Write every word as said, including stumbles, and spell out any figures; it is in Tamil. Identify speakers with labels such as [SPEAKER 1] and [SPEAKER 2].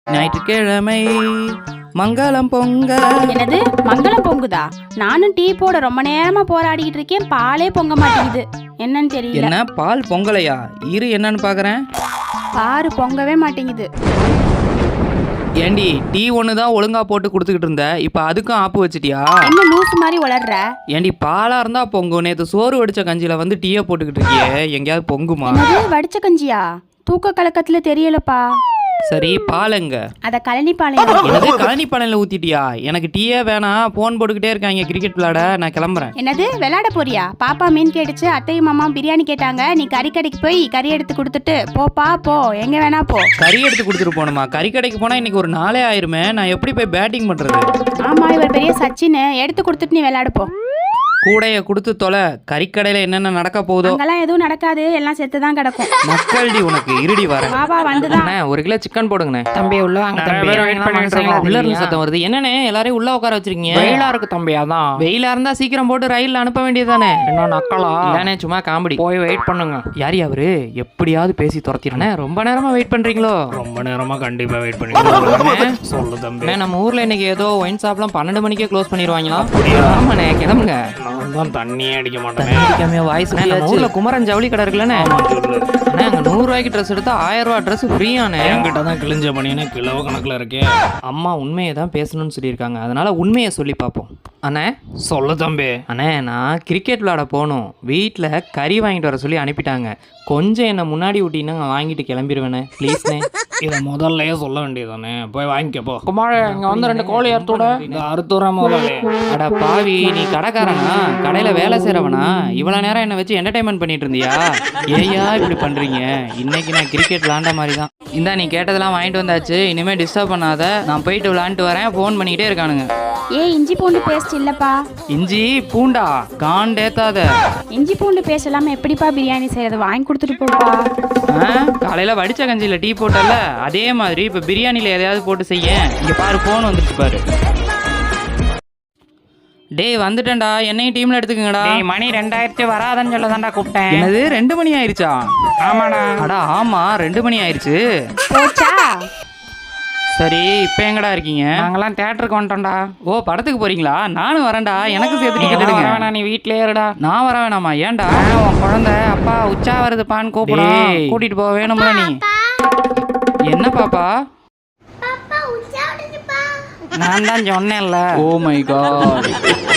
[SPEAKER 1] ஞாயிற்றுக்கிழமை மங்களம் பொங்க.
[SPEAKER 2] என்னது மங்களம் பொங்குதா? நானும் டீ போட ரொம்ப நேரமா போராடிக்கிட்டு இருக்கேன், பாலே பொங்க மாட்டேங்குது. என்னன்னு தெரியல.
[SPEAKER 1] என்ன பால் பொங்கலையா? இரு என்னன்னு பாக்குறேன்.
[SPEAKER 2] பாரு பொங்கவே மாட்டேங்குது.
[SPEAKER 1] ஏண்டி டீ ஒன்று தான் ஒழுங்கா போட்டு கொடுத்துக்கிட்டு இருந்த, இப்போ அதுக்கும் ஆப்பு வச்சிட்டியா?
[SPEAKER 2] என்ன லூசு மாதிரி வளர்ற?
[SPEAKER 1] ஏண்டி பாலா இருந்தா பொங்கும், நேற்று சோறு வடிச்ச கஞ்சியில வந்து டீயை போட்டுக்கிட்டு இருக்கியே, எங்கேயாவது பொங்குமா?
[SPEAKER 2] என்னது வடிச்ச கஞ்சியா? தூக்க கலக்கத்துல தெரியலப்பா.
[SPEAKER 1] சரி பாலுங்க.
[SPEAKER 2] அத கழனி பாலையா?
[SPEAKER 1] என்னது கழனி பானையில ஊத்திட்டியா? எனக்கு டீயே வேணாம், போன் போட்டுக்கிட்டே இருக்காங்க கிரிக்கெட் விளையாட, நான் கிளம்புறேன்.
[SPEAKER 2] என்னது விளையாட போறியா? பாப்பா மீன் கேட்டுச்சு, அத்தையும் மாமா பிரியாணி கேட்டாங்க, நீ கறி கடைக்கு போய் கறி எடுத்து கொடுத்துட்டு போப்பா போ, எங்க வேணா போ.
[SPEAKER 1] கறி எடுத்து கொடுத்துட்டு போகணுமா? கறி கடைக்கு போனா இன்னைக்கு ஒரு நாளே ஆயிருமே, நான் எப்படி போய் பேட்டிங் பண்றது?
[SPEAKER 2] ஆமா இவர் பெரிய சச்சின், எடுத்து கொடுத்துட்டு நீ விளையாடு போ.
[SPEAKER 1] கூடைய கொடுத்து தொலை, கறிக்கடையில என்னென்ன நடக்க போகுதோ.
[SPEAKER 2] அங்கெல்லாம் எதுவும் நடக்காது, எல்லாம் செத்து தான் கிடக்கும்.
[SPEAKER 1] மக்கள்டி உனக்கு இருடி வர.
[SPEAKER 2] பாபா வந்துதான்.
[SPEAKER 1] ஒரு கிலோ சிக்கன் போடுங்கண்ணே.
[SPEAKER 3] தம்பி உள்ள வாங்க தம்பி.
[SPEAKER 1] உள்ள இருந்து சத்தம் வருது. என்னண்ணே எல்லாரையும் உள்ள உட்கார வச்சிருக்கீங்க?
[SPEAKER 3] வெயிலா இருக்கு தம்பி. அதான்
[SPEAKER 1] வெயிலா இருந்தா சீக்கிரம் போட்டு ரயில்ல அனுப்ப வேண்டியதானே.
[SPEAKER 3] என்ன நக்கலா?
[SPEAKER 1] இல்லனே சும்மா காமெடி.
[SPEAKER 3] போய் வெயிட் பண்ணுங்க.
[SPEAKER 1] யாரி அவரு? எப்படியாவது பேசி துரத்திடுறேன். ரொம்ப நேரமா வெயிட் பண்றீங்களோ?
[SPEAKER 3] ரொம்ப நேரமா கண்டிப்பா வெயிட் பண்ணிட்டு சொல்லு தம்பி.
[SPEAKER 1] நம்ம ஊர்ல இன்னைக்கு ஏதோ ஒயின் ஷாப்லாம் பன்னெண்டு மணிக்கே க்ளோஸ் பண்ணிடுவாங்களா? ஆமாண்ணே கிளம்புங்க.
[SPEAKER 3] நான் தான் தண்ணியே அடிக்க மாட்டேன்.
[SPEAKER 1] அடிக்காம வாய்ஸ் ஊர்ல குமரன் ஜவுளி கடை இருக்குல்லண்ணே, அங்க நூறு ரூபாய்க்கு ட்ரெஸ் எடுத்தா ஆயிரம் ரூபாய் ட்ரெஸ் ஃப்ரீயானே.
[SPEAKER 3] என்கிட்ட தான் கிழிஞ்ச மணின்னு கிலோ கணக்குல இருக்கே.
[SPEAKER 1] அம்மா உண்மையை தான் பேசணும்னு சொல்லியிருக்காங்க, அதனால உண்மையை சொல்லி பார்ப்போம். அண்ணே
[SPEAKER 3] சொல்லு தம்பி.
[SPEAKER 1] அண்ணே நான் கிரிக்கெட் விளையாட போகணும், வீட்டில் கறி வாங்கிட்டு வர சொல்லி அனுப்பிட்டாங்க, கொஞ்சம் என்னை முன்னாடி விட்டீங்கன்னா நான் வாங்கிட்டு கிளம்பிடுவேண்ணே ப்ளீஸ்ண்ணே.
[SPEAKER 3] இதை முதல்லயே சொல்ல வேண்டியதானே, போய் வாங்கிக்கப்போ. குமார இங்க வந்து ரெண்டு கோழி அறுத்தோட இந்த அறுத்துற முதல்ல.
[SPEAKER 1] அட பாவி, நீ கடைக்காரனா கடையில் வேலை செய்கிறவனா? இவ்வளோ நேரம் என்னை வச்சு என்டர்டைன்மெண்ட் பண்ணிட்டு இருந்தியா? ஏயா இப்படி பண்ணுறீங்க? இன்னைக்கு நான் கிரிக்கெட் விளாண்ட மாதிரி தான். இந்தா நீ கேட்டதெல்லாம் வாங்கிட்டு வந்தாச்சு, இனிமேல் டிஸ்டர்ப் பண்ணாத, நான் போயிட்டு விளாண்டுட்டு வரேன். ஃபோன் பண்ணிக்கிட்டே இருக்கானுங்க.
[SPEAKER 2] ஏ இஞ்சி பூண்டு பேஸ்ட் இல்லப்பா.
[SPEAKER 1] இஞ்சி பூண்டா? காண்டேத்தாத.
[SPEAKER 2] இஞ்சி பூண்டு பேஸ்ட் இல்லாம எப்படிப்பா பிரியாணி செய்யறது? வாங்கி கொடுத்துட்டு போப்பா.
[SPEAKER 1] காலையில வடிச்ச கஞ்சியில டீ போட்டல, அதே மாதிரி இப்ப பிரியாணில எதையாவது போட்டு செய்ய. இங்க பாரு போன் வந்துருச்சு பாரு. டேய் வந்துட்டேன்டா, என்னையும் டீம்ல எடுத்துக்கங்கடா.
[SPEAKER 3] மணி ரெண்டாயிரத்தி வராதன்னு சொல்ல தான்டா கூப்பிட்டேன்.
[SPEAKER 1] என்னது ரெண்டு மணி ஆயிருச்சா?
[SPEAKER 3] ஆமாடா.
[SPEAKER 1] அடா ஆமா ரெண்டு மணி ஆயிருச்சு.
[SPEAKER 2] போச்சா?
[SPEAKER 1] சரி இப்போ எங்கடா இருக்கீங்க?
[SPEAKER 3] நாங்கெல்லாம் தியேட்டருக்கு வந்துட்டோம்டா.
[SPEAKER 1] ஓ படத்துக்கு போறீங்களா? நானும் வரேன்டா, எனக்கு சேர்த்து டிக்கெட் எடுங்க.
[SPEAKER 3] வேணா நீ வீட்லயே இருடா.
[SPEAKER 1] நான் வர வேணாமா? ஏன்டா?
[SPEAKER 3] உன் குழந்தை அப்பா உச்சா வருதுப்பான்னு கூப்பிடும், கூட்டிட்டு போக வேணும்ல நீ.
[SPEAKER 1] என்ன பாப்பா?
[SPEAKER 3] நான் தான் சொன்னேன்ல.
[SPEAKER 1] Oh my God.